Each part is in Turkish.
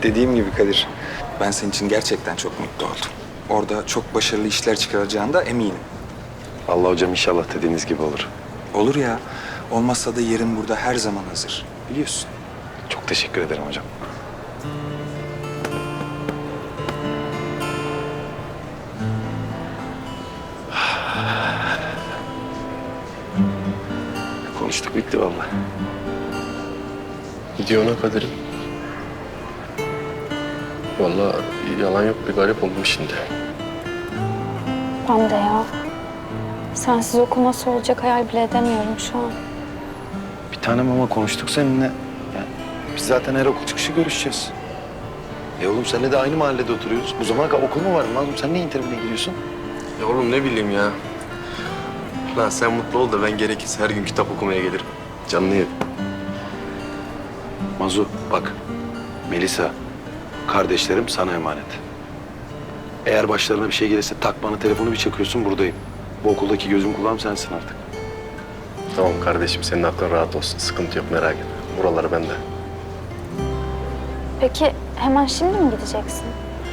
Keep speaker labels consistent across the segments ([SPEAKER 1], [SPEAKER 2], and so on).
[SPEAKER 1] Dediğim gibi Kadir, ben senin için gerçekten çok mutlu oldum. Orada çok başarılı işler çıkaracağına eminim.
[SPEAKER 2] Allah hocam inşallah dediğiniz gibi olur.
[SPEAKER 1] Olur ya, olmazsa da yerin burada her zaman hazır. Biliyorsun.
[SPEAKER 2] Çok teşekkür ederim hocam. Konuştuk bitti vallahi.
[SPEAKER 3] Gidiyor ona Kadir'im. Vallahi yalan yok, bir garip oldum şimdi.
[SPEAKER 4] Ben de ya. Sensiz okul nasıl olacak hayal bile edemiyorum şu an.
[SPEAKER 2] Bir tanem ama konuştuk seninle. Yani biz zaten her okul çıkışı görüşeceğiz. Oğlum seninle de aynı mahallede oturuyoruz. Bu zamana kadar okul mu var lan? Sen niye interview'e gidiyorsun?
[SPEAKER 3] Ya oğlum ne bileyim ya. Lan sen mutlu ol da ben gerekirse her gün kitap okumaya gelirim. Canını yerim.
[SPEAKER 2] Mazu bak. Melisa, kardeşlerim sana emanet. Eğer başlarına bir şey gelirse tak bana telefonu bir çakıyorsun buradayım. Bu okuldaki gözüm kulağım sensin artık.
[SPEAKER 3] Tamam kardeşim, senin aklın rahat olsun. Sıkıntı yok, merak etme. Buraları bende.
[SPEAKER 4] Peki hemen şimdi mi gideceksin?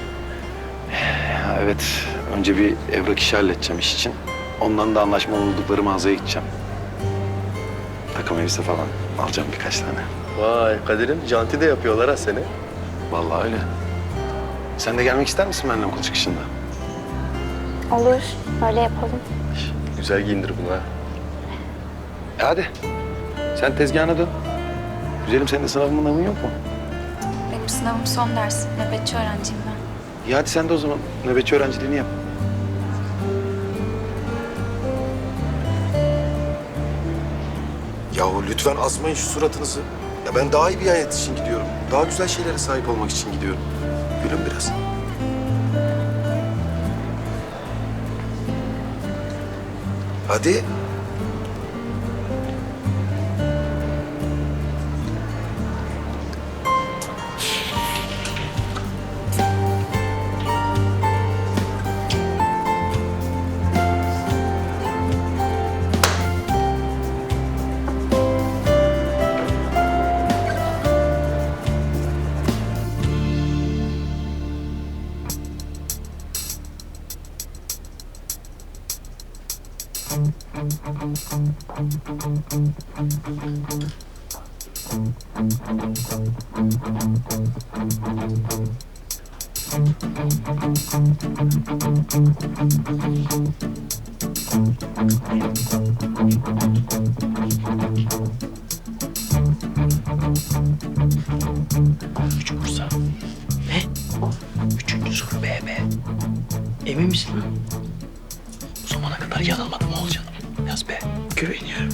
[SPEAKER 2] Ya evet, önce bir evrak işi halledeceğim iş için. Ondan da anlaşmalı oldukları mağazaya gideceğim. Takım elbise falan alacağım birkaç tane.
[SPEAKER 3] Vay Kadir'im, janti de yapıyorlar ha seni.
[SPEAKER 2] Vallahi öyle. Sen de gelmek ister misin benimle okul çıkışında?
[SPEAKER 4] Olur, öyle yapalım.
[SPEAKER 3] Güzel giyindir bunu ha.
[SPEAKER 2] Hadi. Sen tezgahına dön. Güzelim senin de sınavın yok mu?
[SPEAKER 5] Benim sınavım son ders. Nöbetçi öğrenciyim ben.
[SPEAKER 2] İyi hadi sen de o zaman nöbetçi öğrenciliğini yap. Yahu lütfen asmayın şu suratınızı. Ya ben daha iyi bir hayat için gidiyorum. Daha güzel şeylere sahip olmak için gidiyorum. Gülün biraz. Hadi.
[SPEAKER 6] Üç Bursa. Ne? Üçüncü soru B. Emin misin lan? Bu zamana kadar yanılmadım Oğulcanım. Yaz B. Güveniyorum.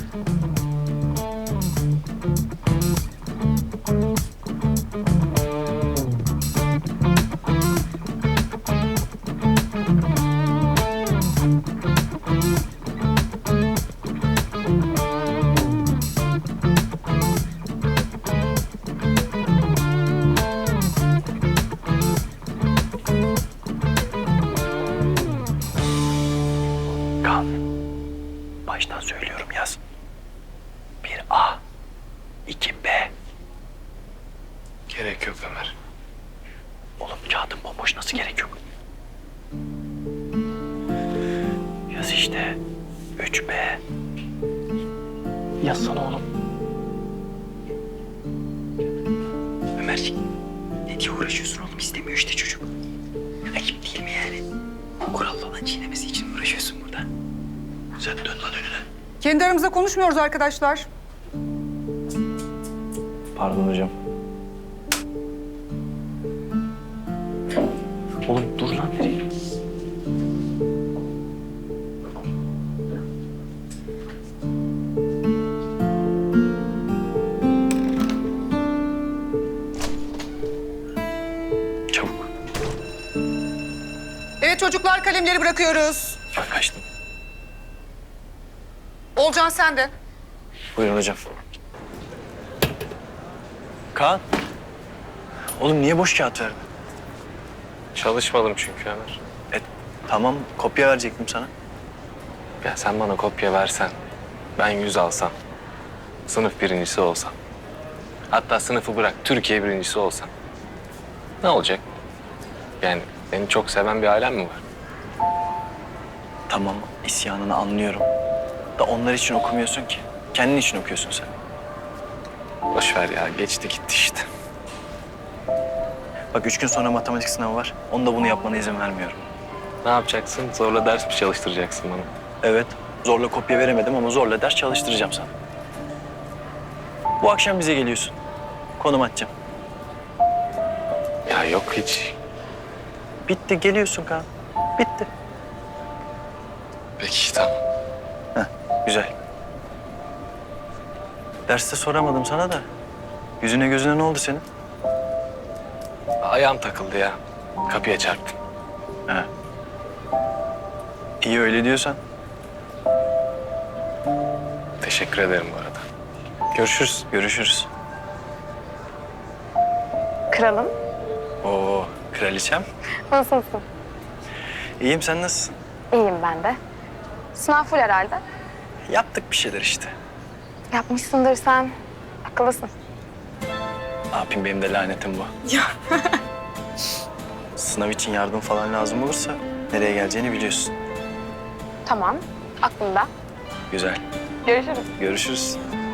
[SPEAKER 6] Kan. Baştan söylüyorum yaz. 1A, 2B.
[SPEAKER 3] Gerek yok Ömer.
[SPEAKER 6] Oğlum kağıdın bomboş, nasıl gerek yok? Yaz işte. 3B. Yazsana oğlum. Ömerciğim, ne diye uğraşıyorsun oğlum? İstemiyor işte çocuk. Rakip değil mi yani? Kural falan çiğnemesi için uğraşıyorsun burada. Sen dön lan önüne.
[SPEAKER 7] Kendi aramızda konuşmuyoruz arkadaşlar.
[SPEAKER 6] Pardon hocam. Oğlum dur lan, nereye? Çabuk.
[SPEAKER 7] Evet çocuklar, kalemleri bırakıyoruz.
[SPEAKER 6] Ben kaçtım.
[SPEAKER 7] Olcan sen de.
[SPEAKER 6] Buyurun hocam. Kaan. Oğlum niye boş kağıt verdin?
[SPEAKER 3] Çalışmadım çünkü Ömer.
[SPEAKER 6] Tamam, kopya verecektim sana.
[SPEAKER 3] Ya sen bana kopya versen, ben 100 alsam, sınıf birincisi olsam. Hatta sınıfı bırak, Türkiye birincisi olsam. Ne olacak? Yani beni çok seven bir ailem mi var?
[SPEAKER 6] Tamam, isyanını anlıyorum. Da onlar için okumuyorsun ki. Kendin için okuyorsun sen.
[SPEAKER 3] Boş ver ya, geçti gitti işte.
[SPEAKER 6] Bak 3 gün sonra matematik sınavı var. Onda bunu yapmana izin vermiyorum.
[SPEAKER 3] Ne yapacaksın? Zorla ders mi çalıştıracaksın bana?
[SPEAKER 6] Evet, zorla kopya veremedim ama zorla ders çalıştıracağım sana. Bu akşam bize geliyorsun. Konum atacağım.
[SPEAKER 3] Ya yok hiç.
[SPEAKER 6] Bitti, geliyorsun Kaan. Bitti.
[SPEAKER 3] Peki tamam.
[SPEAKER 6] Güzel. Derste soramadım sana da. Yüzüne gözüne ne oldu senin?
[SPEAKER 3] Ayağım takıldı ya. Kapıya çarptım.
[SPEAKER 6] He. İyi öyle diyorsan.
[SPEAKER 3] Teşekkür ederim bu arada. Görüşürüz.
[SPEAKER 6] Görüşürüz.
[SPEAKER 4] Kralım.
[SPEAKER 6] Oo, kraliçem.
[SPEAKER 4] Nasılsın?
[SPEAKER 6] İyiyim, sen nasılsın?
[SPEAKER 4] İyiyim ben de. Sınav full herhalde.
[SPEAKER 6] Yaptık bir şeyler işte.
[SPEAKER 4] Yapmışsındır sen. Akıllısın.
[SPEAKER 6] Ne yapayım, benim de lanetim bu. Ya. Sınav için yardım falan lazım olursa nereye geleceğini biliyorsun.
[SPEAKER 4] Tamam. Aklımda.
[SPEAKER 6] Güzel.
[SPEAKER 4] Görüşürüz.
[SPEAKER 6] Görüşürüz.